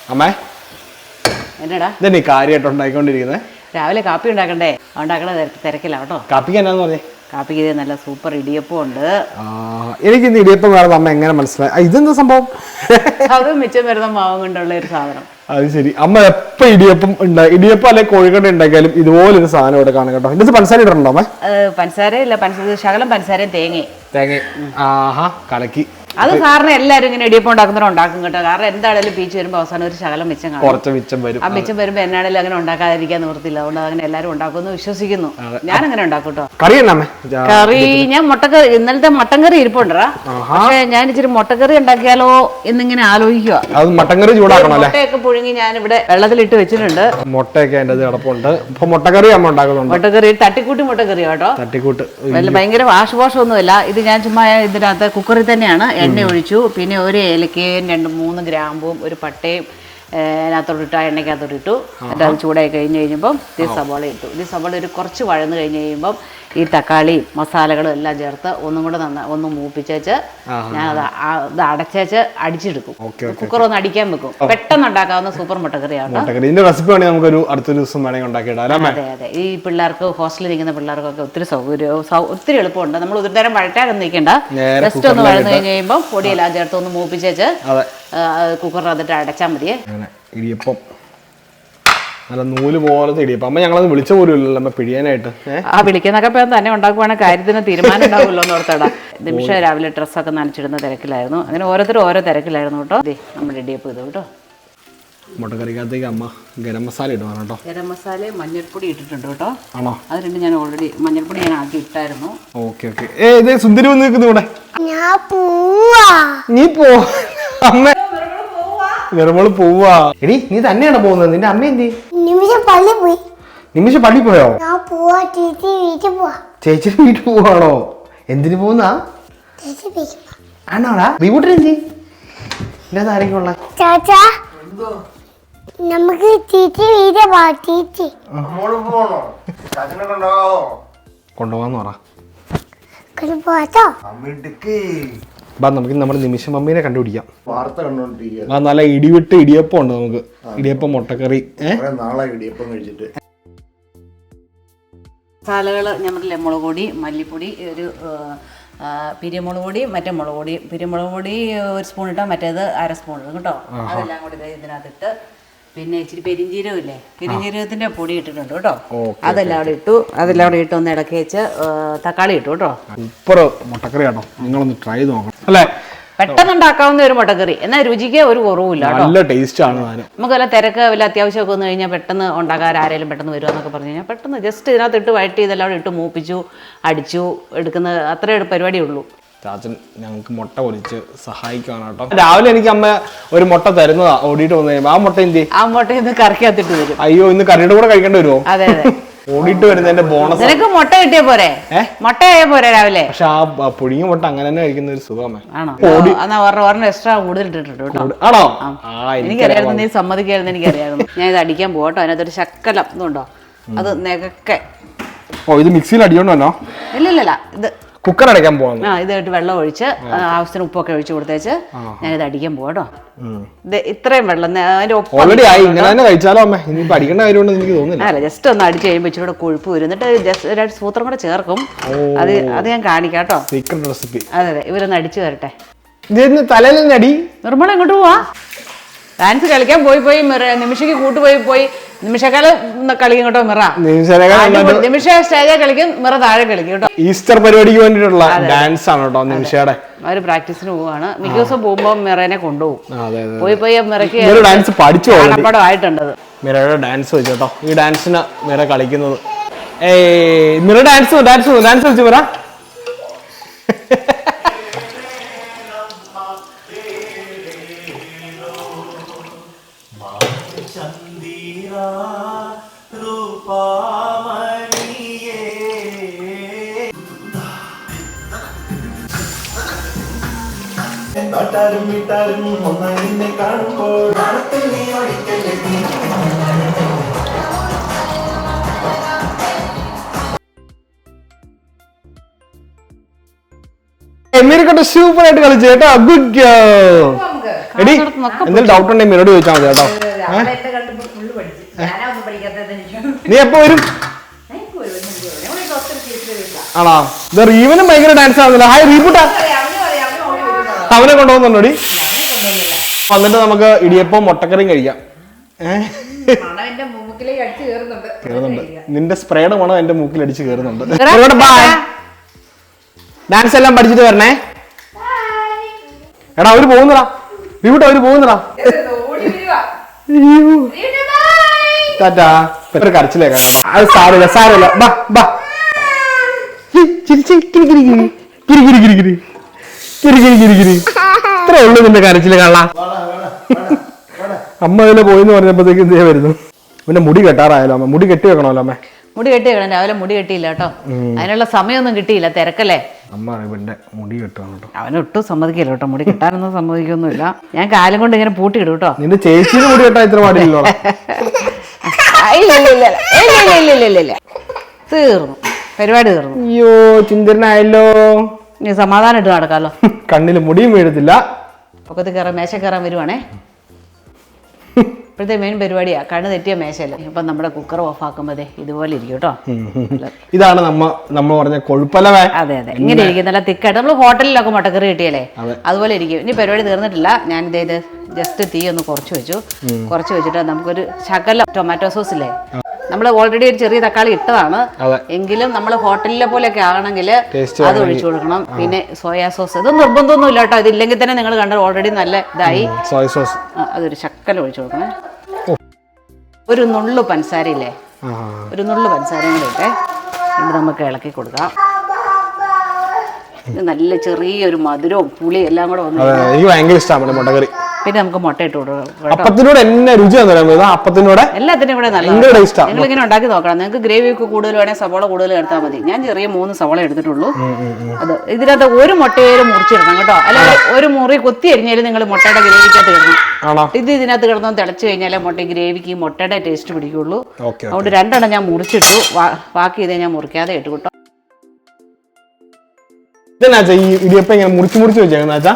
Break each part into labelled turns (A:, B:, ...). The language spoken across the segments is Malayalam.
A: അമ്മേ
B: എന്നടാ
A: ഇതന്നെ കാര്യമായിട്ട് ഉണ്ടായിക്കൊണ്ടിരിക്കുന്നത്.
B: രാവിലെ കാപ്പി ഉണ്ടാക്കണ്ടേ? ഉണ്ടാക്കണ തിരക്കില്ല കേട്ടോ.
A: കാപ്പിക്ക് എന്നാന്ന് പറഞ്ഞേ?
B: കാപ്പിക്ക് ഇത് നല്ല സൂപ്പർ ഇടിയപ്പം ഉണ്ട്.
A: എനിക്ക് ഇന്ന് ഇടിയപ്പം വേറെ അമ്മ എങ്ങനെ മനസ്സിലായി? ഇതെന്താ സംഭവം?
B: അത് മിച്ചം വരുന്ന മാവും കൊണ്ടുള്ള ഒരു സാധനം.
A: അത് ശരി. അമ്മ എപ്പോ ഇടിയപ്പം ഇടിയപ്പം അല്ലെങ്കിൽ കോഴിക്കട്ട ഉണ്ടാക്കിയാലും ഇതുപോലൊരു സാധനം ഇവിടെ കാണും കേട്ടോ. ഇതിന് പഞ്ചസാര ഇടണ്ടോ അമ്മ?
B: പഞ്ചസാര ഇല്ല, ശകലം പഞ്ചസാരയും
A: തേങ്ങ. ആഹാ, കലക്കി.
B: അത് സാറിന് എല്ലാവരും ഇങ്ങനെ ഇടിയപ്പം ഉണ്ടാക്കുന്നവരും ഉണ്ടാക്കും കേട്ടോ. കാരണം എന്താണേലും പീച്ച് വരുമ്പോൾ അവസാനം ഒരു ശകലം മിച്ചം കാണും.
A: കുറച്ച് മിച്ചം വരും.
B: ആ മിച്ചം വരുമ്പോൾ എന്നാണേലും അങ്ങനെ ഉണ്ടാക്കാതിരിക്കാൻ നിവൃത്തില്ല. അതുകൊണ്ട് അങ്ങനെ എല്ലാവരും ഉണ്ടാക്കുമെന്ന് വിശ്വസിക്കുന്നു. ഞാൻ അങ്ങനെ ഉണ്ടാക്കും കേട്ടോ. കറി ഞാൻ മുട്ടക്കറി, ഇന്നലത്തെ മട്ടൻ കറി ഇരിപ്പുണ്ടോ. പക്ഷെ ഞാൻ ഇച്ചിരി മുട്ടക്കറി ഉണ്ടാക്കിയാലോ എന്നിങ്ങനെ ആലോചിക്കുക.
A: മട്ടൻകറി ചൂടാക്കണം.
B: മുട്ടയൊക്കെ പുഴുങ്ങി ഞാൻ ഇവിടെ വെള്ളത്തിലിട്ട് വെച്ചിട്ടുണ്ട്.
A: മുട്ടയൊക്കെ അതിന്റെ കിടപ്പുണ്ട്. മുട്ടക്കറി അമ്മ ഉണ്ടാക്കുന്നുണ്ട്.
B: മുട്ടക്കറി തട്ടിക്കൂട്ടി മുട്ടക്കറി കേട്ടോ.
A: തട്ടിക്കൂട്ട്
B: ഭയങ്കര വാഷൊന്നുമില്ല. ഇത് ഞാൻ ചുമ്മാ ഇതിനകത്ത് കുക്കറിൽ തന്നെയാണ് എണ്ണ ഒഴിച്ചു. പിന്നെ ഒരു ഏലക്കയും 2-3 ഗ്രാമ്പും ഒരു പട്ടയും അതിനകത്തോട്ടിട്ട് ആ എണ്ണയ്ക്കകത്തോട്ടിട്ടു. എന്നിട്ട് അത് ചൂടായി കഴിഞ്ഞപ്പം ഈ സവാള ഇട്ടു. ഈ സവാള ഒരു കുറച്ച് വഴന്ന് കഴിഞ്ഞ് കഴിയുമ്പം ഈ തക്കാളിയും മസാലകളും എല്ലാം ചേർത്ത് ഒന്നും കൂടെ ഒന്ന് മൂപ്പിച്ചേച്ച് ഞാൻ അത് അടച്ചേച്ച് അടിച്ചെടുക്കും. കുക്കർ ഒന്ന് അടിക്കാൻ വെക്കും. പെട്ടെന്ന് ഉണ്ടാക്കാവുന്ന സൂപ്പർ മുട്ടക്കറിയാണ്. അതെ അതെ. ഈ പിള്ളേർക്ക് ഹോസ്റ്റലിൽ നിൽക്കുന്ന പിള്ളേർക്കൊക്കെ ഒത്തിരി ഒത്തിരി എളുപ്പമുണ്ട്. നമ്മൾ ഒരു നേരം വഴറ്റാനൊന്നും നിൽക്കണ്ട. ജസ്റ്റ് ഒന്ന് വഴന്ന് കഴിഞ്ഞ് കഴിയുമ്പോൾ പൊടിയെല്ലാം ചേർത്ത് ഒന്ന് മൂപ്പിച്ചേച്ച് കുക്കറിനകത്തിട്ട് അടച്ചാൽ മതിയേ.
A: ഇടിയപ്പം നല്ല നൂല് പോലത്തെ ഇടിയപ്പം. അമ്മ ഞങ്ങളത് വിളിച്ച പോലും ഇല്ലല്ലോ അമ്മ പിടിയാനായിട്ട്.
B: വിളിക്കുന്നൊക്കെ തന്നെ ഉണ്ടാക്കുവാണെങ്കിൽ കാര്യത്തിന് തീരുമാനം ഉണ്ടാവുമല്ലോ എന്ന് ഓർത്തടാ. നിമിഷം രാവിലെ ഡ്രസ്സൊക്കെ നനച്ചിടുന്ന തിരക്കിലായിരുന്നു. അങ്ങനെ ഓരോരുത്തരും ഓരോ തിരക്കിലായിരുന്നു കേട്ടോ. നമ്മുടെ ഇടിയപ്പം ഇത് കേട്ടോ.
A: മുട്ടക്കറിക്കകത്തേക്ക് അമ്മ ഗരം മസാല ഇടുവാണ് കേട്ടോ. ഗരം
B: മസാലയും മഞ്ഞൾപ്പൊടി ഇട്ടിട്ടുണ്ട് കേട്ടോ.
A: ആണോ?
B: അത് രണ്ടും ഞാൻ ഓൾറെഡി മഞ്ഞൾപ്പൊടി ഞാൻ ആക്കി ഇട്ടായിരുന്നു.
A: ഓക്കെ. സുന്ദരി വന്ന് നിൽക്കുന്നു ഇവിടെ. നീ പോ അമ്മ. വെറുമോള് പോവാ. എടി നീ തന്നെയാണ് പോകുന്നത്? നിന്റെ അമ്മ എന്തി? നിമിഷം പള്ളി പോയോ? ചേച്ചി വീട്ടിൽ പോവാണോ? എന്തിനു പോകുന്നാ? ആണോടാ? റീബൂട്ടിന് എന്തി? എന്റെ ആരെങ്കിലും ഉള്ള
C: നമുക്ക്
A: കൊണ്ടുപോവാന്ന് പറ. നമുക്ക് നമ്മുടെ നിമിഷം മമ്മീനെ കണ്ടുപിടിക്കാം. നല്ല ഇടിവിട്ട് ഇടിയപ്പം ഉണ്ട്. നമുക്ക് ഇടിയപ്പം മുട്ടക്കറി.
B: മസാലകള് ഞാൻ പറഞ്ഞില്ലേ, മുളക് പൊടി, മല്ലിപ്പൊടി, ഒരു പിരിമുളക് പൊടി, മറ്റേ മുളക് പൊടി. പിരിമുളക് പൊടി 1 സ്പൂൺ ഇട്ടാൽ മറ്റേത് 1/2 സ്പൂൺ ഇടും കേട്ടോ. അതെല്ലാം കൂടി ഇതിനകത്തിട്ട് പിന്നെ ഇച്ചിരി പെരിഞ്ജീരകം ഇല്ലേ, പെരിഞ്ജീരകത്തിന്റെ പൊടി ഇട്ടിട്ടുണ്ട് കേട്ടോ. അതെല്ലാം അവിടെ ഇട്ടു. അതെല്ലാം അവിടെ ഇട്ട് ഒന്ന് ഇടക്കി വെച്ച് തക്കാളി ഇട്ടു കേട്ടോ.
A: സൂപ്പർ മുട്ടക്കറി ആണോ? നിങ്ങളൊന്ന് ട്രൈ ചെയ്ത് നോക്കണം. അല്ലേ?
B: പെട്ടെന്ന് ഉണ്ടാക്കാവുന്ന ഒരു മുട്ടക്കറി. എന്നാൽ രുചിക്ക് ഒരു കുറവുമില്ല.
A: നല്ല ടേസ്റ്റ് ആണ്.
B: നമുക്ക് വല്ല തിരക്ക് വല്ല അത്യാവശ്യമൊക്കെ വന്നു കഴിഞ്ഞാൽ പെട്ടെന്ന് ഉണ്ടാക്കാൻ ആരെങ്കിലും പെട്ടെന്ന് വരുക എന്നൊക്കെ പറഞ്ഞു കഴിഞ്ഞാൽ പെട്ടെന്ന് ജസ്റ്റ് ഇതിനകത്ത് ഇട്ട് വഴറ്റി ഇതെല്ലാം ഇട്ട് മൂപ്പിച്ചു അടിച്ചു എടുക്കുന്ന അത്രേ പരിപാടിയേ ഉള്ളൂ.
A: ചാച്ചൻ ഞങ്ങൾക്ക് മുട്ട പൊരിച്ച് സഹായിക്കുകയാണ് കേട്ടോ. രാവിലെ എനിക്ക് അമ്മ ഒരു മുട്ട തരുന്നതാ. ഓടിയിട്ട് വന്നു കഴിയുമ്പോൾ ആ മുട്ട എന്തി?
B: ആ മുട്ട ഇന്ന് കറിക്കകത്തിട്ട് വരും.
A: അയ്യോ, ഇന്ന് കറിയുടെ കൂടെ കഴിക്കേണ്ടി വരുമോ?
B: അതെ അതെ.
A: ഓടിയിട്ട് വരുന്നതിന്റെ ബോണസ്.
B: നിനക്ക് മുട്ട കിട്ടിയ പോരെ? മുട്ടയായ പോരെ രാവിലെ?
A: പക്ഷെ ആ പുഴുങ്ങിയ മുട്ട അങ്ങനെ തന്നെ കഴിക്കുന്ന ഒരു സുഖമേ.
B: ആണോ? എന്നാ ഒരെണ്ണം എക്സ്ട്രാ കൂടുതൽ ഇട്ടിട്ടുണ്ട് കേട്ടോ.
A: ആണോ?
B: എനിക്കറിയായിരുന്നു, നീ സമ്മതിക്കായിരുന്നു. എനിക്കറിയായിരുന്നു. ഞാൻ ഇത് അടിക്കാൻ പോകട്ടോ. അതിനകത്തൊരു ശക്കലം ഇതുണ്ടോ, അത് നെകക്കെ.
A: ഇത് മിക്സിയിൽ അടിയോണ്ടോ?
B: ഇല്ല, ഇത്
A: കുക്കർ അടയ്ക്കാൻ പോകുന്നു.
B: ഇതായിട്ട് വെള്ളം ഒഴിച്ച് ആവശ്യത്തിന് ഉപ്പൊക്കെ ഒഴിച്ച് കൊടുത്തേച്ച് ഞാനിത് അടിക്കാൻ പോകട്ടോ. ഇത് ഇത്രയും വെള്ളം അല്ല, ജസ്റ്റ് ഒന്ന് അടിച്ച് കഴിയുമ്പോൾ ഇച്ചിരി കൂടെ കൊഴുപ്പ് വരും. എന്നിട്ട് ജസ്റ്റ് 2 സൂത്രം കൂടെ ചേർക്കും. അത് ഞാൻ കാണിക്കാം കേട്ടോ. അതെ, ഇവരൊന്ന് അടിച്ചു തരട്ടെ.
A: തലയിലടി
B: നിർമ്മല എങ്ങോട്ട് പോവാ? ഡാൻസ് കളിക്കാൻ പോയി നിമിഷയ്ക്ക് കൂട്ടുപോയി നിമിഷക്കാലം കളിക്കും കേട്ടോ. നിമിഷ സ്റ്റേജിൽ കളിക്കും, മിറ താഴെ കളിക്കും കേട്ടോ.
A: ഈസ്റ്റർ പരിപാടിക്ക് വേണ്ടിയിട്ടുള്ള ഡാൻസ് ആണ് കേട്ടോ നിമിഷയുടെ.
B: അവര് പ്രാക്ടീസിന് പോവാണ്. മിക്ക ദിവസം പോകുമ്പോ മിറേനെ കൊണ്ടുപോകും. പോയി മിറയ്ക്ക്
A: ഡാൻസ് പഠിച്ചു
B: ആയിട്ടുണ്ട്.
A: മിറയുടെ ഡാൻസ് വെച്ചു കേട്ടോ. ഈ ഡാൻസിന് മിറ കളിക്കുന്നത്. മിറ ഡാൻസ് വെച്ചു മിറ. സൂപ്പർ ആയിട്ട് കളിച്ചു കേട്ടോ. Good girl. എടി എന്തെങ്കിലും ഡൗട്ട് ഉണ്ടെങ്കിൽ മിനോട് ചോദിച്ചാൽ മതി കേട്ടോ. നീ എപ്പോ വരും? ആണോ? ഇത് റീവനും ഭയങ്കര ഡാൻസ് ആവുന്നില്ല. ഹായ് റീബൂട്ടാ, അവനെ കൊണ്ടുപോകുന്നുണ്ടോടി? വന്നിട്ട് നമുക്ക് ഇടിയപ്പം മുട്ടക്കറിയും കഴിക്കാം. കേറുന്നുണ്ട്, നിന്റെ സ്പ്രേയുടെ മണം എന്റെ മൂക്കിൽ അടിച്ച് കേറുന്നുണ്ട്. ഡാൻസ് എല്ലാം പഠിച്ചിട്ട് വരണേ. എടാ അവര് പോകുന്നടാ, റീബൂട്ടാ അവര് പോകുന്നടാ. ടാറ്റാ. ഒരു കരച്ചിലേക്കാ. അത് സാരമില്ല സാരമില്ല. ബാ ബാ. ഇത്ര ഉള്ളു നിന്റെ കരച്ചില് കാണാ. അമ്മ അതിലെ പോയിന്ന് പറഞ്ഞപ്പോഴത്തേക്ക് ഇതേ വരുന്നു. പിന്നെ മുടി കെട്ടാറായാലോ അമ്മ? മുടി കെട്ടി വെക്കണമല്ലോ അമ്മ?
B: മുടി കെട്ടി വെക്കണം. രാവിലെ മുടി കെട്ടിയില്ല കേട്ടോ. അതിനുള്ള സമയമൊന്നും കിട്ടിയില്ല, തിരക്കല്ലേ.
A: അമ്മ ഇവന്റെ മുടി കെട്ടുകയാണ് കേട്ടോ.
B: അവനൊട്ടും സമ്മതിക്കില്ല കേട്ടോ, മുടി കെട്ടാനൊന്നും സമ്മതിക്കൊന്നുമില്ല. ഞാൻ കാലം കൊണ്ട് ഇങ്ങനെ പൂട്ടിയിടും കേട്ടോ.
A: നിന്റെ ചേച്ചിയുടെ മുടി കെട്ടാൻ ഇത്ര പാടില്ലല്ലോ.
B: ഇല്ല, തീർന്നു, പരിപാടി തീർന്നു.
A: അയ്യോ ചിന്തനായല്ലോ.
B: നീ സമാധാനം ഇട്ട് നടക്കാലോ.
A: കണ്ണില് മുടിയും വീഴത്തില്ല.
B: പൊക്കത്ത് കയറാൻ, മേശ കയറാൻ വരുവാണേ. ഇപ്പോഴത്തെ മെയിൻ പരിപാടിയാ കണ്ണ് തെറ്റിയ മേശയല്ലേ. ഇപ്പൊ നമ്മുടെ കുക്കർ ഓഫ് ആക്കുമ്പോഴേ ഇതുപോലെ ഇരിക്കും കേട്ടോ.
A: ഇതാണ് നമ്മ പറഞ്ഞ കൊഴുപ്പലവേ.
B: അതെ അതെ, ഇങ്ങനെ ഇരിക്കും, നല്ല തിക്കായിട്ട്. നമ്മൾ ഹോട്ടലിലൊക്കെ മുട്ടക്കറി കിട്ടിയല്ലേ അതുപോലെ ഇരിക്കും. ഇനി പരിപാടി തീർന്നിട്ടില്ല. ഞാൻ ഇത് ജസ്റ്റ് തീ ഒന്ന് കുറച്ച് വെച്ചിട്ട് നമുക്കൊരു ശകലം ടൊമാറ്റോ സോസ് ഇല്ലേ, നമ്മൾ ഓൾറെഡി ഒരു ചെറിയ തക്കാളി ഇട്ടതാണ്, എങ്കിലും നമ്മൾ ഹോട്ടലിലെ പോലെയൊക്കെ ആകണമെങ്കിൽ അത് ഒഴിച്ചു കൊടുക്കണം. പിന്നെ സോയാ സോസ്, ഇത് നിർബന്ധമൊന്നും ഇല്ല കേട്ടോ. ഇതില്ലെങ്കിൽ തന്നെ നിങ്ങൾ കണ്ടത് ഓൾറെഡി നല്ല ഇതായി. സോയ സോസ് അതൊരു ശക്കലം ഒഴിച്ചു കൊടുക്കണേ. ഒരു നുള്ളു പഞ്ചസാരയില്ലേ, ഒരു നുള്ളു പഞ്ചസാരയും കൂടെ ഇട്ടേ. ഇത് നമുക്ക് ഇളക്കി കൊടുക്കാം. ഇത് നല്ല ചെറിയൊരു മധുരവും പുളിയും എല്ലാം കൂടെ വന്നു.
A: എനിക്ക് ഭയങ്കര ഇഷ്ടമാണ് മുട്ടക്കറി.
B: പിന്നെ നമുക്ക് മുട്ട ഇട്ട് കൊടുക്കാം.
A: അപ്പത്തിനോട് എന്നെ രുചിയാന്ന് അപ്പത്തിനോട്
B: എല്ലാത്തിനും കൂടെ നല്ല നിങ്ങൾ ഇങ്ങനെ ഉണ്ടാക്കി നോക്കണം. നിങ്ങൾക്ക് ഗ്രേവി ഒക്കെ കൂടുതൽ വേണമെങ്കിൽ സവോള കൂടുതൽ എടുത്താൽ മതി. ഞാൻ ചെറിയ 3 സവോള എടുത്തിട്ടുള്ളൂ. അത് ഇതിനകത്ത് ഒരു മുട്ടയേലും മുറിച്ചിടണം കേട്ടോ. അല്ലാതെ ഒരു മുറി കുത്തി അരിഞ്ഞാലും നിങ്ങൾ മുട്ടയുടെ ഗ്രേവിക്കകത്ത് കിടണം. ഇത് ഇതിനകത്ത് കിടന്നു തിളച്ചു കഴിഞ്ഞാലേ മുട്ട ഗ്രേവിക്ക് മുട്ടയുടെ ടേസ്റ്റ് പിടിക്കുള്ളൂ. അതുകൊണ്ട് 2 എണ്ണം ഞാൻ മുറിച്ചിട്ടു, ബാക്കി ഇതേ ഞാൻ മുറിക്കാതെ ഇട്ടു കേട്ടോ.
A: ഇതെന്നാച്ചാ ഈ ഇടിയപ്പം ഇങ്ങനെ മുറിച്ച് വെച്ചേക്കുന്നാച്ചാ?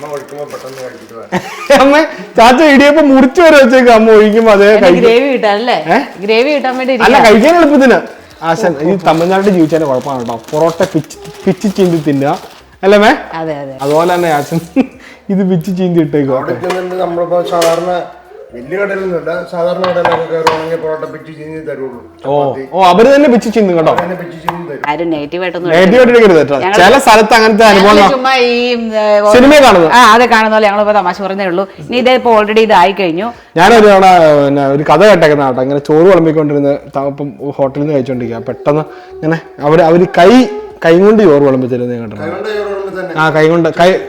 A: അമ്മ ചാച്ച ഇടിയപ്പം മുറിച്ച് വരെ വെച്ചേക്കും. അമ്മ ഒഴിക്കുമ്പോ അതേ
B: ഗ്രേവി കിട്ടാനല്ലേ, ഗ്രേവി കിട്ടാൻ വേണ്ടി.
A: അല്ല, കഴിക്കാൻ എളുപ്പത്തിന്. ആശാൻ ഈ തമിഴ്നാട്ടിൽ ജീവിച്ചതിന്റെ കുഴപ്പമാണ് കേട്ടോ. പൊറോട്ട പിച്ച് ചീന്തി തിന്നുക അല്ലേ മേ?
B: അതെ അതെ,
A: അതുപോലെ തന്നെ ആശൻ ഇത് പിച്ച് ചീന്തി ഇട്ടേക്കോ.
C: നമ്മളിപ്പോ സാധാരണ വലിയ കടയിലൊന്നുമില്ല, സാധാരണ കടയിലൊക്കെ കയറുവാണെങ്കിൽ പൊറോട്ട പിച്ച് ചീന്തി തരുള്ളൂ.
A: ഓ അവര് തന്നെ പിച്ച് ചീന്തും കേട്ടോ.
B: ആരും നെഗറ്റീവായിട്ടൊന്നും
A: ചില സ്ഥലത്ത് അങ്ങനത്തെ അനുഭവം
B: ചുമ്മാ ഈ
A: സിനിമ കാണുന്നത്.
B: അതെ കാണുന്ന പോലെ ഞങ്ങളിപ്പോ തമാശ പറഞ്ഞേ ഉള്ളൂ. ഇനി ഇതേ ഇപ്പൊ ഓൾറെഡി ഇതായി കഴിഞ്ഞു.
A: ഞാനൊരു തവണ പിന്നെ ഒരു കഥ കേട്ടേക്കുന്ന കേട്ടോ. ഇങ്ങനെ ചോറ് വിളമ്പിക്കൊണ്ടിരുന്ന് ഇപ്പം ഹോട്ടലിൽ നിന്ന് കഴിച്ചോണ്ടിരിക്കുക. പെട്ടെന്ന് ഇങ്ങനെ അവര് കൈ കൊണ്ട് ചോറ് വിളമ്പി തരുന്നത് കേട്ടോ. ആ കൈ കൊണ്ട്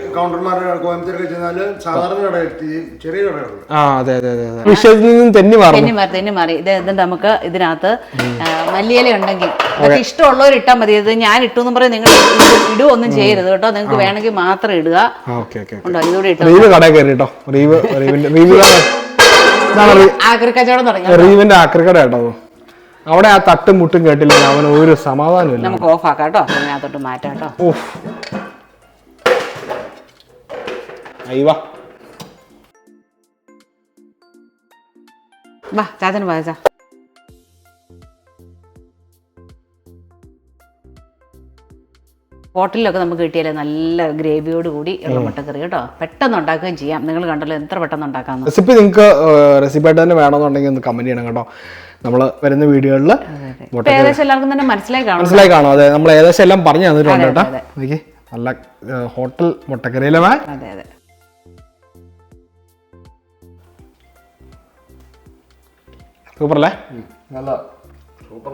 A: അതെ അതെ അതെ, വിഷയത്തിൽ നിന്നും തെന്നി
B: മാറി. ഇത് നമുക്ക് ഇതിനകത്ത് മല്ലിയില ഉണ്ടെങ്കിൽ അതൊക്കെ ഇഷ്ടമുള്ളവർ ഇട്ടാൽ മതി. ഇത് ഞാൻ ഇട്ടു എന്ന് പറയും, നിങ്ങൾ ഇടുവൊന്നും ചെയ്യരുത് കേട്ടോ. നിങ്ങൾക്ക് വേണമെങ്കിൽ മാത്രം ഇടുക. ഇതുകൂടെ ഇട്ടോ. ആക്രിക്കച്ചവടം തുടങ്ങി.
A: റീവിന്റെ ആക്രിക്കട കേട്ടോ. അവിടെ ആ തട്ടും മുട്ടും കേട്ടില്ല, അവന് ഒരു സമാധാനമില്ല.
B: നമുക്ക് ഓഫ് ആക്കാം കേട്ടോ, അതിനകത്തോട്ട് മാറ്റാം കേട്ടോ. വാ ചാച്ചന് വാച്ചാ. ഹോട്ടലിലൊക്കെ നമുക്ക് കിട്ടിയാലേ നല്ല ഗ്രേവിയോട് കൂടി ഉള്ള മുട്ടക്കറി കേട്ടോ. പെട്ടെന്ന് ഉണ്ടാക്കുകയും ചെയ്യാം. നിങ്ങൾ കണ്ടല്ലോ എത്ര പെട്ടെന്ന് ഉണ്ടാക്കാം.
A: റെസിപ്പി നിങ്ങൾക്ക് റെസിപ്പിയായിട്ട് തന്നെ വേണമെന്നുണ്ടെങ്കിൽ ഒന്ന് കമന്റ് ചെയ്യണം കേട്ടോ. നമ്മൾ വരുന്ന വീഡിയോകളിൽ
B: ഏകദേശം എല്ലാവർക്കും തന്നെ മനസ്സിലായി
A: കാണും. അതെ, നമ്മൾ ഏകദേശം എല്ലാം പറഞ്ഞു തന്നിട്ടുണ്ട് കേട്ടോ. നല്ല ഹോട്ടൽ മുട്ടക്കറിയിലെ
B: അതെ അതെ.
A: സൂപ്പർ അല്ലേ?
C: നല്ല സൂപ്പർ.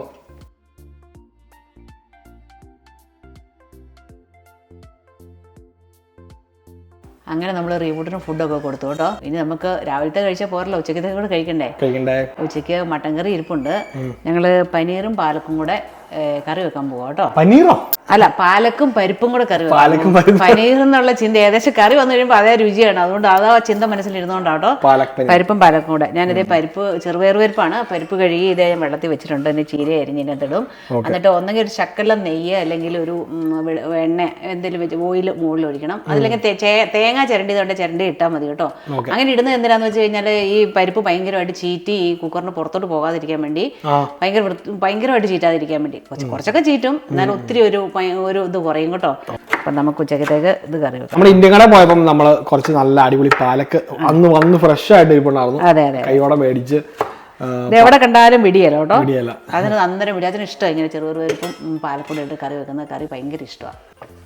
B: അങ്ങനെ നമ്മൾ റീബൂട്ടിന് ഫുഡൊക്കെ കൊടുത്തു കേട്ടോ. ഇനി നമുക്ക് രാവിലത്തെ കഴിച്ചാൽ പോരല്ലോ, ഉച്ചക്കത്തെ കൂടെ കഴിക്കണ്ടേ. ഉച്ചയ്ക്ക് മട്ടൻ കറി ഇരിപ്പുണ്ട്. ഞങ്ങള് പനീറും പാലക്കും കൂടെ കറി വെക്കാൻ പോവാ കേട്ടോ.
A: പനീറോ?
B: അല്ല പാലക്കും പരിപ്പും കൂടെ കറി
A: പാലക്കും
B: പനീർ എന്നുള്ള ചിന്ത ഏകദേശം കറി വന്നു കഴിയുമ്പോൾ അതേ രുചിയാണ്. അതുകൊണ്ട് അതാ ചിന്ത മനസ്സിലിരുന്നോണ്ടാട്ടോ പരിപ്പും പാലക്കും കൂടെ. ഞാനിതേ പരിപ്പ് ചെറുപയർ പരിപ്പാണ്. പരിപ്പ് കഴുകി ഇതേ വെള്ളത്തിൽ വെച്ചിട്ടുണ്ട്. പിന്നെ ചീര അരിഞ്ഞ് ഇതിനകത്തിടും. എന്നിട്ട് ഒന്നെങ്കിൽ ഒരു ശക്കലം നെയ്യ് അല്ലെങ്കിൽ ഒരു എണ്ണ എന്തെങ്കിലും വെച്ച് ഓയിൽ മുകളിൽ ഒഴിക്കണം. അതില്ലെങ്കിൽ തേങ്ങ ചിരണ്ടിയതുകൊണ്ട് ചിരണ്ടി ഇട്ടാൽ മതി കേട്ടോ. അങ്ങനെ ഇടുന്നത് എന്തിനാന്ന് വെച്ച് കഴിഞ്ഞാൽ ഈ പരിപ്പ് ഭയങ്കരമായിട്ട് ചീറ്റി ഈ കുക്കറിന് പുറത്തോട്ട് പോകാതിരിക്കാൻ വേണ്ടി, ഭയങ്കരമായിട്ട് ചീറ്റാതിരിക്കാൻ വേണ്ടി. കുറച്ചൊക്കെ ചീറ്റും, എന്നാലും ഒത്തിരി ഒരു ഇത് കുറയും കേട്ടോ. അപ്പൊ നമുക്ക് ഉച്ചക്കത്തേക്ക് ഇത് കറി വെക്കാം.
A: നമ്മൾ ഇന്ത്യൻ കടയിൽ പോയപ്പോൾ നമ്മൾ കുറച്ച് നല്ല അടിപൊളി പാലക്ക് വന്ന് ഫ്രഷ് ആയിട്ട് ഇരിപ്പുണ്ടായിരുന്നു.
B: അതെ അതെ,
A: കൈയോടെ മേടിച്ച്
B: എവിടെ കണ്ടാലും പിടിയല്ലോ കേട്ടോ. അതിന് അന്നേരം പിടി. അതിന് ഇഷ്ടമാണ് ഇങ്ങനെ ചെറുപയറും പാലക്കൂടെ ഇട്ട് കറി വെക്കുന്ന കറി ഭയങ്കര ഇഷ്ടമാണ്.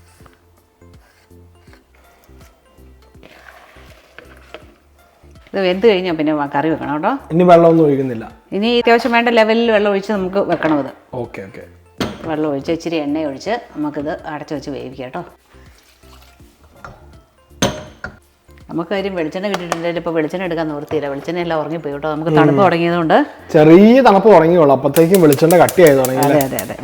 B: ഇത് വെന്ത് കഴിഞ്ഞാൽ പിന്നെ കറി വെക്കണം കേട്ടോ.
A: ഇനി വെള്ളമൊന്നും ഒഴിക്കുന്നില്ല.
B: ഇനി അത്യാവശ്യം വേണ്ട ലെവലിൽ വെള്ളം ഒഴിച്ച് നമുക്ക് വെക്കണം. ഇത്
A: ഓക്കെ ഓക്കെ.
B: വെള്ളം ഒഴിച്ച് ഇച്ചിരി എണ്ണ ഒഴിച്ച് നമുക്കിത് അടച്ചു വെച്ച് വേവിക്കാം കേട്ടോ. നമുക്ക് കാര്യം വെളിച്ചെണ്ണ കിട്ടിയിട്ടുണ്ടെങ്കിൽ ഇപ്പോൾ വെളിച്ചെണ്ണ എടുക്കാൻ നിവൃത്തിയില്ല. വെളിച്ചെണ്ണ എല്ലാം ഉറങ്ങിപ്പോയി കേട്ടോ. നമുക്ക് തണുപ്പ് തുടങ്ങിയതുകൊണ്ട്
A: ചെറിയ തണുപ്പ് തുടങ്ങിയുള്ളൂ. അപ്പോഴത്തേക്കും വെളിച്ചെണ്ണ കട്ടിയായി തുടങ്ങി.
B: അതെ അതെ അതെ.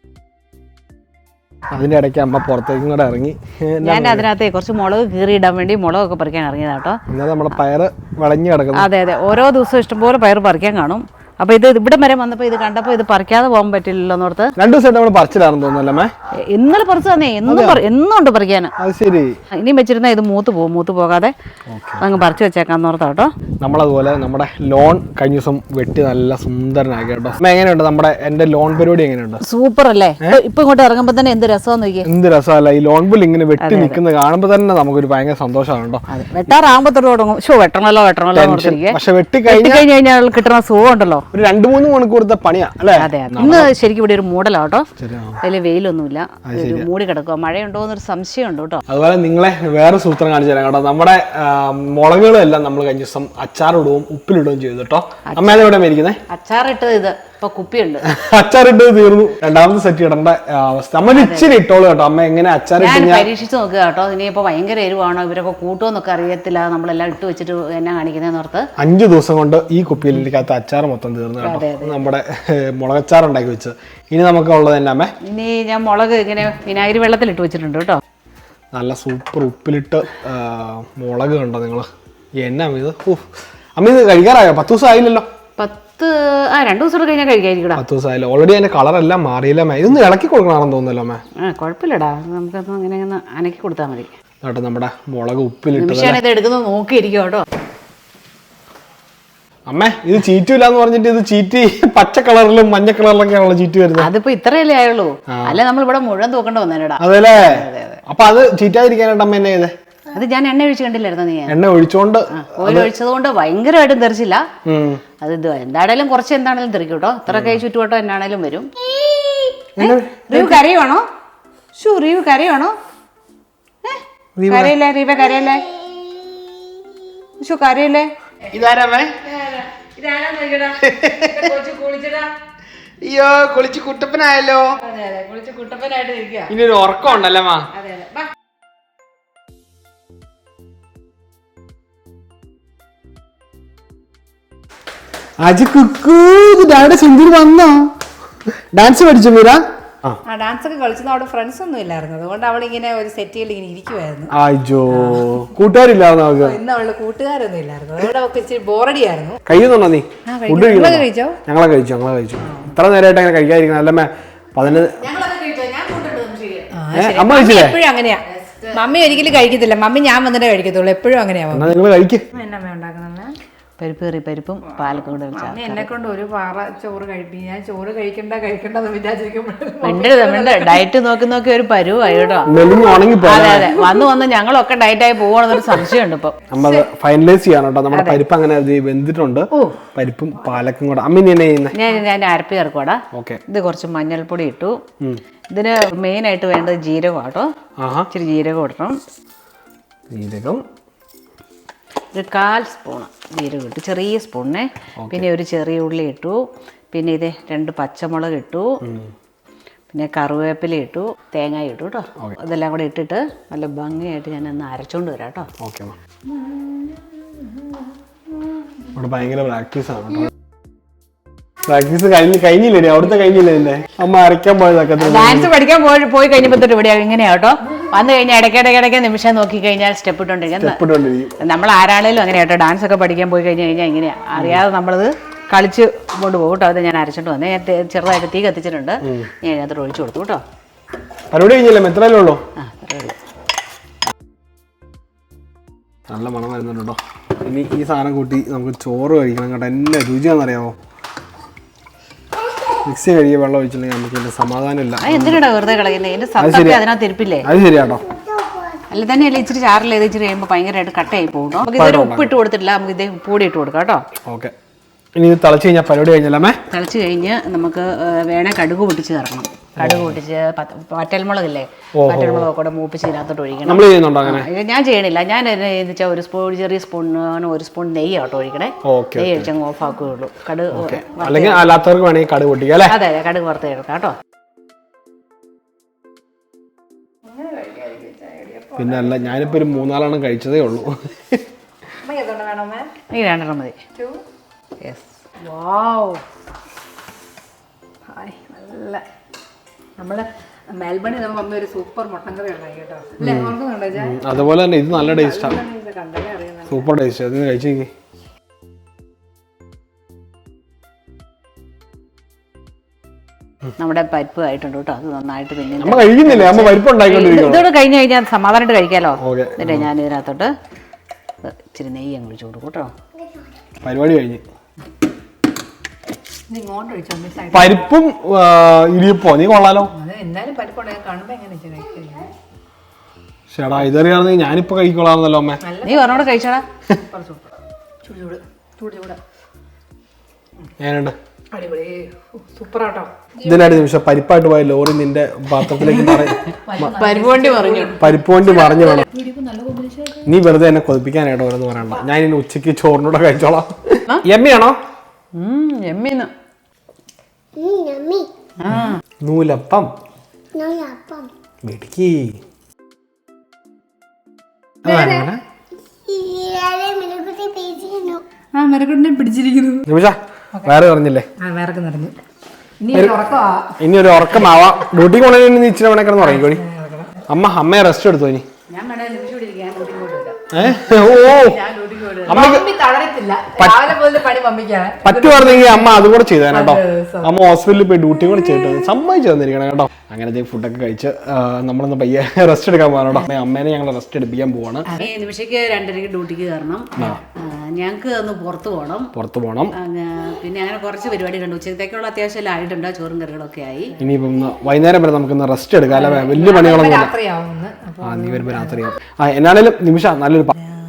A: അതിൻ്റെ ഇടയ്ക്ക് അമ്മ പുറത്തേക്കും കൂടെ ഇറങ്ങി.
B: ഞാൻ അതിനകത്ത് കുറച്ച് മുളക് കീറിയിടാൻ വേണ്ടി മുളകൊക്കെ പറിക്കാൻ ഇറങ്ങിയതാട്ടോ.
A: എന്നാൽ നമ്മുടെ പയറ് വിളഞ്ഞു കിടക്കുന്നു.
B: അതെ അതെ, ഓരോ ദിവസവും ഇഷ്ടംപോലെ പയർ പറിക്കാൻ കാണും. അപ്പോൾ ഇത് ഇവിടെ വരെ വന്നപ്പോൾ ഇത് കണ്ടപ്പോൾ ഇത് പറിക്കാതെ പോകാൻ പറ്റില്ലല്ലോ എന്നോർത്ത്
A: 2 ദിവസമായിട്ട് നമ്മൾ പറിച്ചില്ലാണെന്ന് തോന്നുന്നല്ലേ?
B: ഇന്നലെ പറിച്ചു തന്നെ. എന്നും ഉണ്ട് പറിക്കാൻ.
A: അത് ശരി.
B: ഇനിയും വെച്ചിരുന്ന ഇത് മൂത്ത് പോകാതെ അങ്ങ് പറിച്ചു വെച്ചേക്കാന്ന് ഓർത്താ കേട്ടോ.
A: നമ്മളതുപോലെ നമ്മുടെ ലോൺ കഴിഞ്ഞ ദിവസം വെട്ടി നല്ല സുന്ദരനാക്കി കേട്ടോ. എങ്ങനെയുണ്ട് എൻ്റെ ലോൺ പരിപാടി? എങ്ങനെയുണ്ട്?
B: സൂപ്പർ അല്ലേ? ഇപ്പൊ ഇങ്ങോട്ട് ഇറങ്ങുമ്പോൾ തന്നെ എന്ത് രസമാന്ന് നോക്കിയേ.
A: എന്ത് രസമല്ല ഈ ലോൺ പുല്ല് ഇങ്ങനെ വെട്ടി നിൽക്കുന്നത് കാണുമ്പോൾ തന്നെ നമുക്കൊരു ഭയങ്കര സന്തോഷമാണ് കേട്ടോ.
B: വെട്ടാറാകുമ്പോൾ തുടങ്ങും. വെട്ടണല്ലോ
A: പക്ഷെ വെട്ടി
B: കഴിഞ്ഞാൽ കിട്ടുന്ന സുഖം ഉണ്ടല്ലോ.
A: ഒരു 2-3 മണിക്കൂറത്തെ പണിയാ അല്ലേ?
B: അതെ അതെ. ഇന്ന് ശരിക്കും ഇവിടെ ഒരു മൂടലാട്ടോ. വലിയ വെയിലൊന്നുമില്ല, മൂടി കിടക്കുക. മഴയുണ്ടോ എന്നൊരു സംശയമുണ്ട് കേട്ടോ. അതുപോലെ
A: നിങ്ങളെ വേറെ സൂത്രം കാണിച്ചു തരാം കേട്ടോ. നമ്മുടെ മുളകുകളെല്ലാം നമ്മൾ കഴിഞ്ഞ ദിവസം അച്ചാറിടുകയും ഉപ്പിലിടുകയും ചെയ്തു കേട്ടോ. അമ്മ എവിടെ മേടിക്കുന്നത്?
B: അച്ചാറിട്ടത് ഇത് ഇപ്പൊ കുപ്പിയുണ്ട്.
A: അച്ചാറിട്ടത് തീർന്നു. രണ്ടാമത്തെ സെറ്റ് ഇടേണ്ട അവസ്ഥ. അമ്മ ഇച്ചിരി ഇട്ടോളൂ കേട്ടോ. അമ്മ എങ്ങനെ അച്ചാറിട്ട്
B: പരീക്ഷിച്ച് നോക്കുക കേട്ടോ. ഇനിയിപ്പോ ഭയങ്കര എരിവാണോ ഇവരൊക്കെ കൂട്ടുമെന്നൊക്കെ അറിയത്തില്ല. നമ്മളെല്ലാം ഇട്ട് വെച്ചിട്ട് എന്നാ കാണിക്കുന്നതെന്ന് ഓർത്ത്
A: 5 ദിവസം കൊണ്ട് ഈ കുപ്പിയിലിരിക്കാത്ത അച്ചാർ മൊത്തം തീർന്നു കേട്ടോ. നമ്മുടെ മുളകച്ചാർ ഉണ്ടാക്കി വെച്ച്. ഇനി നമുക്ക് ഉള്ളത് തന്നെ അമ്മേ.
B: ഇനി ഞാൻ മുളക് ഇങ്ങനെ വിനാഗിരി വെള്ളത്തിലിട്ട് വെച്ചിട്ടുണ്ട് കേട്ടോ.
A: നല്ല സൂപ്പർ ഉപ്പിലിട്ട് മുളക് കണ്ടോ നിങ്ങള്? എന്നാ ഇത്? അമ്മ ഇത് കഴിക്കാറായോ? 10 ദിവസം ആയില്ലല്ലോ.
B: 2 ദിവസം കഴിഞ്ഞാൽ കഴിക്കാതിരിക്കടാ.
A: 10 ദിവസം ആയില്ല. ഓൾറെഡി അതിന്റെ കളറെല്ലാം മാറിയില്ല. ഇതൊന്ന് ഇളക്കി കൊടുക്കണമെന്ന് തോന്നുന്നല്ലോ അമ്മ.
B: കുഴപ്പമില്ലടാ, നമുക്കത് അങ്ങനെ ഒന്ന് അനക്കി കൊടുത്താൽ മതി
A: കേട്ടോ. നമ്മുടെ മുളക് ഉപ്പിലിട്ട്
B: ഇത് എടുക്കുന്നത് നോക്കിയിരിക്കും കേട്ടോ.
A: അമ്മേ ഇത് ചീറ്റില്ലാന്ന് പറഞ്ഞിട്ട് ഇത് ചീറ്റി പച്ച കളറിലും മഞ്ഞ കളറിലൊക്കെയാണല്ലോ ചീറ്റി വരുന്നത്.
B: അതിപ്പോ ഇത്രയല്ലേ ആയുള്ളൂ. അല്ല നമ്മൾ ഇവിടെ മുഴുവൻ തൂക്കേണ്ട വന്നേടാ.
A: അതെല്ലേ? അപ്പൊ അത് ചീറ്റാതിരിക്കാനായിട്ട് അമ്മ എന്നെ ചെയ്തേ?
B: അത് ഞാൻ എണ്ണ ഒഴിച്ച് കണ്ടില്ലായിരുന്നു. നീ
A: എണ്ണ ഒഴിച്ചോണ്ട്
B: ഓയിൽ ഒഴിച്ചതുകൊണ്ട് ഭയങ്കരമായിട്ടും തെറിച്ചില്ല. അത് ഇത് എന്താണേലും കുറച്ച് എന്താണേലും തെറിക്കും കേട്ടോ. ഇത്ര കൈ ചുറ്റുവട്ടം എന്നാണേലും വരും. റീവ് കരയാണോ? റീവ് കരയാണോ? കരയില്ലേ റീവ? കരയല്ലേ? കരയില്ലേ?
A: അയ്യോ കുളിച്ച് കുട്ടപ്പനായല്ലോ. ഇനി ഒരു ഉറക്കം ഉണ്ടല്ലേ മാ? അജി കുക്കു ഡാഡി സിന്ധു വന്നോ? ഡാൻസ് പഠിച്ചു മീര?
D: ഡാൻസ് ഒക്കെ കളിച്ചത് അവിടെ ഫ്രണ്ട്സ് ഒന്നും ഇല്ലായിരുന്നു. അതുകൊണ്ട് അവളിങ്ങനെ ഒരു സെറ്റിൽ ഇങ്ങനെ ഇരിക്കുവായിരുന്നു.
A: അയ്യോ കൂട്ടുകാരില്ലായിരുന്നു അവൾക്ക്.
D: ഇന്ന് അവളുടെ കൂട്ടുകാരൊന്നും ഇല്ലായിരുന്നു. അതുകൊണ്ട് അവൾക്ക് ഇച്ചിരി ബോറടിയായിരുന്നു.
A: കഴിയുന്നുണ്ടോ നീ? ഫുഡ്
D: കഴിച്ചോ?
A: ഞങ്ങളെ കഴിച്ചു. ഇത്ര നേരമായിട്ട് അങ്ങനെ കഴിക്കാതിരിക്കണം. അല്ലമ്മേ 15 അമ്മ കഴിച്ചില്ലേ?
D: എപ്പോഴും അങ്ങനെയാ. മമ്മി ഒരിക്കലും കഴിക്കത്തില്ല. മമ്മി ഞാൻ വന്നിട്ടേ കഴിക്കത്തുള്ളൂ. എപ്പോഴും അങ്ങനെയാ.
A: നിങ്ങൾ കഴിക്കും.
D: എന്നമ്മ ഉണ്ടാക്കുന്നത്?
B: പരിപ്പ് കറി, പരിപ്പും പാലക്കും കൂടെ വെച്ചാൽ
D: എന്നെ കൊണ്ട് ഒരു പാറ ചോറ് കഴിപ്പിക്കും. ഞാൻ ചോറ് കഴിക്കണ്ടെന്ന്
B: വിചാരിക്കുമ്പോൾ ഡയറ്റ് നോക്കി ഒരു പരുവായി കേട്ടോ. അതെ അതെ, വന്ന് ഞങ്ങളൊക്കെ ഡയറ്റായി പോവാണെന്നൊരു സംശയമുണ്ട് ഇപ്പൊ.
A: നമ്മൾ ഫൈനലൈസ് ചെയ്യാൻ കേട്ടോ. നമ്മുടെ പരിപ്പ് അങ്ങനെ വെന്തിട്ടുണ്ട്. പരിപ്പും പാലക്കും കൂടെ അമ്മ
B: ഞാൻ അരപ്പി ചേർക്കുവാടാ. ഇത് കുറച്ച് മഞ്ഞൾപ്പൊടി ഇട്ടു. ഇതിന് മെയിൻ ആയിട്ട് വേണ്ടത് ജീരകം കേട്ടോ. ഇച്ചിരി ജീരകം ഇടണം.
A: ജീരകം
B: ഒരു 1/4 സ്പൂണ് ജീരകം ഇട്ടു, ചെറിയ സ്പൂണിനെ. പിന്നെ ഒരു ചെറിയ ഉള്ളി ഇട്ടു. പിന്നെ ഇത് 2 പച്ചമുളക് ഇട്ടു. പിന്നെ കറിവേപ്പില ഇട്ടു, തേങ്ങ ഇട്ടു കേട്ടോ. ഇതെല്ലാം കൂടെ ഇട്ടിട്ട് നല്ല ഭംഗിയായിട്ട് ഞാൻ ഒന്ന് അരച്ചോണ്ട് വരാം കേട്ടോ.
A: ഭയങ്കര പ്രാക്ടീസ് ആണ് കേട്ടോ. പ്രാക്ടീസ് കഴിഞ്ഞില്ലേ അവിടുത്തെ കഴിഞ്ഞില്ലേ എന്നെ അമ്മ അരയ്ക്കാൻ പോയതൊക്കെ
B: ഡാൻസ് പഠിക്കാൻ പോയി കഴിഞ്ഞപ്പോൾ തൊട്ട് ഇവിടെ ഇങ്ങനെയാ കേട്ടോ. വന്നു കഴിഞ്ഞാൽ ഇടയ്ക്കിടയ്ക്ക് നിമിഷം നോക്കി കഴിഞ്ഞാൽ സ്റ്റെപ്പ് ഇട്ടുകൊണ്ടിരിക്കുന്നത്. നമ്മൾ ആരാണേലും അങ്ങനെ കേട്ടോ. ഡാൻസ് ഒക്കെ പഠിക്കാൻ പോയി കഴിഞ്ഞാൽ ഇങ്ങനെയാ, അറിയാതെ നമ്മളത് കളിച്ച് കൊണ്ടുപോകും കേട്ടോ. അത് ഞാൻ അരച്ചിട്ട് വന്നേ, ഞാൻ ചെറുതായിട്ട് തീ കത്തിച്ചിട്ടുണ്ട്, ഞാൻ അതിനകത്ത് ഒഴിച്ചു കൊടുത്തു കേട്ടോ.
A: പരിപാടി കഴിഞ്ഞില്ലേ? എത്രയല്ലേ ഉള്ളൂ? നല്ല മണം വരുന്നുണ്ട് കേട്ടോ. ഇനി ഈ സാധനം കൂട്ടി നമുക്ക് ചോറ് കഴിക്കണം കേട്ടോ. എന്നെ രുചിയാണെന്നറിയാമോ? മിക്സി കഴുകിയ വെള്ളം ഒഴിച്ചില്ലെങ്കിൽ നമുക്ക് ഇതിന്റെ സമാധാനമില്ല.
B: എന്തിനാ വെറുതെ കളയുന്നത്? എന്റെ സത്തൊക്കെ അതിനകത്ത് ഇരിപ്പില്ലേ?
A: അത് ശരിയാട്ടോ.
B: അല്ല തന്നെയല്ല, ഇച്ചിരി ചാറിൽ ഇച്ചിരി കഴിയുമ്പോൾ ഭയങ്കരമായിട്ട് കട്ടയായി പോകും. നമുക്ക് ഇതൊരു ഉപ്പിട്ട് കൊടുത്തിട്ടില്ല, നമുക്ക് ഇതേ ഉപ്പുപൊടി ഇട്ട് കൊടുക്കാം കേട്ടോ.
A: ഓക്കെ. ഇനി ഇത് തിളച്ച് കഴിഞ്ഞാൽ പരിപാടി കഴിഞ്ഞല്ലേ?
B: തിളച്ച് കഴിഞ്ഞ് നമുക്ക് വേണേ കടുക് പൊട്ടിച്ച് ചേർക്കണം. കടുക് പൊട്ടിച്ച് വറ്റൽമുളകില്ലേ, വറ്റൽമുളക് കൂടെ മൂപ്പിച്ച് ഇതിനകത്തോട്ട് ഒഴിക്കണം.
A: നമ്മൾ ചെയ്യുന്നുണ്ടോ അങ്ങനെ?
B: ഞാൻ ചെയ്യണില്ല. ഞാൻ വെച്ചാൽ ഒരു ചെറിയ സ്പൂണിന് 1 സ്പൂൺ നെയ്യ് കേട്ടോ ഒഴിക്കണേ. നെയ്യ് ഒഴിച്ചങ്ങ് ഓഫ് ആക്കുകയുള്ളൂ. കടുക്
A: അല്ലെങ്കിൽ അല്ലാത്തവർക്ക് വേണമെങ്കിൽ കടുക് പൊട്ടിക്കാം അല്ലേ?
B: അതെ, കടുക് വറുത്ത് എടുക്കാം കേട്ടോ.
A: പിന്നെ അല്ല, ഞാനിപ്പോ ഒരു 3-4 കഴിച്ചതേ ഉള്ളൂ.
B: ഈ 2 മതി.
D: നല്ല നമ്മള് മെൽബണിൽ നമ്മൾ വന്ന ഒരു സൂപ്പർ മട്ടൻ കറി ഉണ്ടായി കേട്ടോ. അല്ലേ, ഓർക്കുന്നുണ്ടോ?
A: അതുപോലെ തന്നെ ഇത് നല്ല ടേസ്റ്റാണ്, സൂപ്പർ ടേസ്റ്റ്. അത് കഴിച്ചേക്ക്.
B: നമ്മുടെ പരിപ്പ് ആയിട്ടുണ്ട് കേട്ടോ. അത് നന്നായിട്ട് പിന്നെ
A: അമ്മ കഴിക്കുന്നില്ലേ? അമ്മ പരിപ്പ് ഉണ്ടായിക്കൊണ്ടിരിക്കുന്നു.
B: ഇതോടെ കഴിഞ്ഞ് കഴിഞ്ഞാൽ സമാധാനമായിട്ട് കഴിക്കാമല്ലോ. എന്നിട്ട് ഞാൻ ഇതിനകത്തോട്ട് ഇച്ചിരി നെയ്യ് അങ്ങ് ഒഴിച്ചു കൊടുക്കും കേട്ടോ.
A: പരിപാടി കഴിഞ്ഞ് പരിപ്പും ഇടിയപ്പോ നീ കൊള്ളാലോ. ചേടാ, ഇതറിയാണെങ്കിൽ ഞാനിപ്പോ കഴിക്കൊള്ളാന്നല്ലോ അമ്മ.
B: നീ പറഞ്ഞോട് കഴിച്ചാടാ.
A: ഞാനുണ്ട്
D: സൂപ്പറാട്ടോ.
A: ഇതിനായിട്ട് നിമിഷം പരിപ്പായിട്ട് പോയ ലോറി നിന്റെ പാത്രത്തിലേക്ക് പരിപ്പ് വണ്ടി മറിഞ്ഞു വേണം. നീ വെറുതെ എന്നെ കൊതിപ്പിക്കാനായിട്ടോ ഓരോന്ന് പറയണ്ട. ഞാൻ ഇനി ഉച്ചക്ക് ചോറിനൂടെ കഴിച്ചോളാം. എമ്മിയാണോ? നൂലപ്പം മിടുക്കി. നിമിഷ വേറെ പറഞ്ഞില്ലേ? ഇനി ഒരു ഉറക്കമാവാം. ഡ്യൂട്ടി കൊണ്ടു ഇച്ചിരി മണി കിടന്ന് ഉറങ്ങിക്കോടി. അമ്മയെ റെസ്റ്റ് എടുത്തോ ഇനി. പറ്റുവായിരുന്നെങ്കിൽ അമ്മ അതും കൂടെ ചെയ്തേനെ കേട്ടോ. അമ്മ ഹോസ്പിറ്റലിൽ പോയി ഡ്യൂട്ടി കൂടെ ചെയ്തിട്ട് സമ്മതിച്ചു തന്നിരിക്കണം കേട്ടോ. അങ്ങനെ ഫുഡൊക്കെ കഴിച്ച് നമ്മളൊന്ന് പയ്യെ റെസ്റ്റ് എടുക്കാൻ പോകാനോ. അമ്മേനെ ഞങ്ങൾ റെസ്റ്റ് എടുപ്പിക്കാൻ പോവാണ്.
B: നിമിഷയ്ക്ക് 2:30 ഡ്യൂട്ടിക്ക് കയറണം. ഞങ്ങൾക്ക് ഒന്ന് പുറത്ത് പോകണം. പിന്നെ അങ്ങനെ കുറച്ച് പരിപാടി കണ്ടു. ഉച്ചത്തേക്കുള്ള അത്യാവശ്യം എല്ലാം ആയിട്ടുണ്ട്. ചോറും കറികളൊക്കെ ആയി. ഇനിയിപ്പം വൈകുന്നേരം വരെ നമുക്കൊന്ന് റെസ്റ്റ് എടുക്കാം അല്ലെ? വലിയ പണികളൊന്നും നീ വരുമ്പോ രാത്രിയാവും. എന്നാണേലും നിമിഷ നല്ലൊരു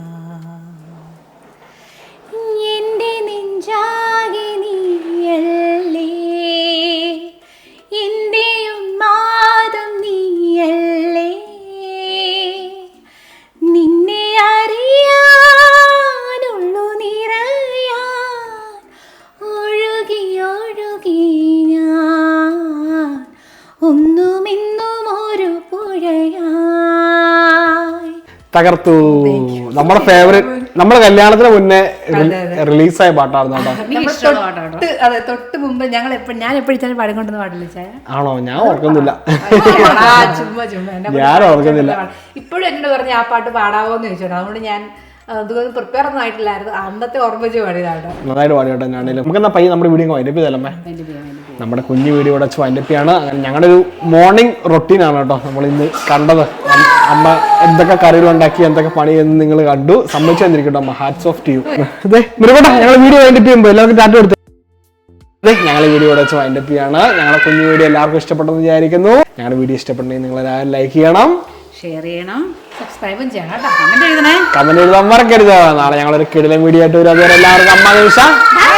B: തകർത്തു. നമ്മുടെ ഫേവറേറ്റ്, നമ്മുടെ കല്യാണത്തിന് മുന്നേ റിലീസായ പാട്ടായിരുന്നു
D: കേട്ടോ. തൊട്ട് മുമ്പ് ഞാൻ എപ്പോഴും പാടിക്കൊണ്ടെന്ന് പാടില്ല ചായ.
A: ആണോ? ഞാൻ ഓർക്കുന്നില്ല.
D: ഞാൻ ഓർക്കുന്നില്ല. ഇപ്പോഴും എന്നോട് പറഞ്ഞ ആ പാട്ട് പാടാവോന്ന് ചോദിച്ചോട്ടോ. അതുകൊണ്ട് ഞാൻ പ്രിപ്പയർ ഒന്നും ആയിട്ടില്ലായിരുന്നു. അന്നത്തെ ഓർമ്മിച്ച് പാടിയതാട്ടോ.
A: നന്നായിട്ട് പാടിയോട്ടെ. ഞാനേലും നമുക്ക് എന്നാ പയ്യെ നമ്മുടെ വീഡിയോ വൈൻഡപ്പ് ചെയ്തല്ലേ? നമ്മുടെ കുഞ്ഞു വീഡിയോ ഇവിടെ വൈൻഡപ്പിയാണ്. അങ്ങനെ ഞങ്ങളുടെ ഒരു മോർണിംഗ് റൊട്ടീനാണ് കേട്ടോ നമ്മൾ ഇന്ന് കണ്ടത്. അമ്മ എന്തൊക്കെ കറികൾ ഉണ്ടാക്കി, എന്തൊക്കെ പണി എന്ന് നിങ്ങൾ കണ്ടു. സമ്മതിച്ചു തന്നിരിക്കട്ടോ അമ്മ. Hats off to you. മിറുകോട്ടെ, ഞങ്ങൾ വീഡിയോ വൈൻഡപ്പ് ചെയ്യുമ്പോൾ എല്ലാവർക്കും ടാറ്റ കൊടുത്തു. ഞങ്ങൾ വീഡിയോ ഇവിടെ വെച്ച് വൈൻഡപ്പ് ചെയ്യാണ്. ഞങ്ങളുടെ കുഞ്ഞു വീഡിയോ എല്ലാവർക്കും ഇഷ്ടപ്പെട്ടെന്ന് വിചാരിക്കുന്നു. ഞങ്ങളുടെ വീഡിയോ ഇഷ്ടപ്പെട്ടെങ്കിൽ നിങ്ങൾ എല്ലാവരും ലൈക്ക് ചെയ്യണം,
B: ഷെയർ ചെയ്യണം,
D: സബ്സ്ക്രൈബും ചെയ്യണം.
B: കമന്റ് എഴുതണേ.
A: കമന്റ് എഴുതാൻ മറക്കരുത്. നാളെ ഞങ്ങളൊരു കിടിലൻ വീഡിയോ ആയിട്ട് വരും. അതുവരെ എല്ലാവർക്കും അമ്മ നിമിഷ.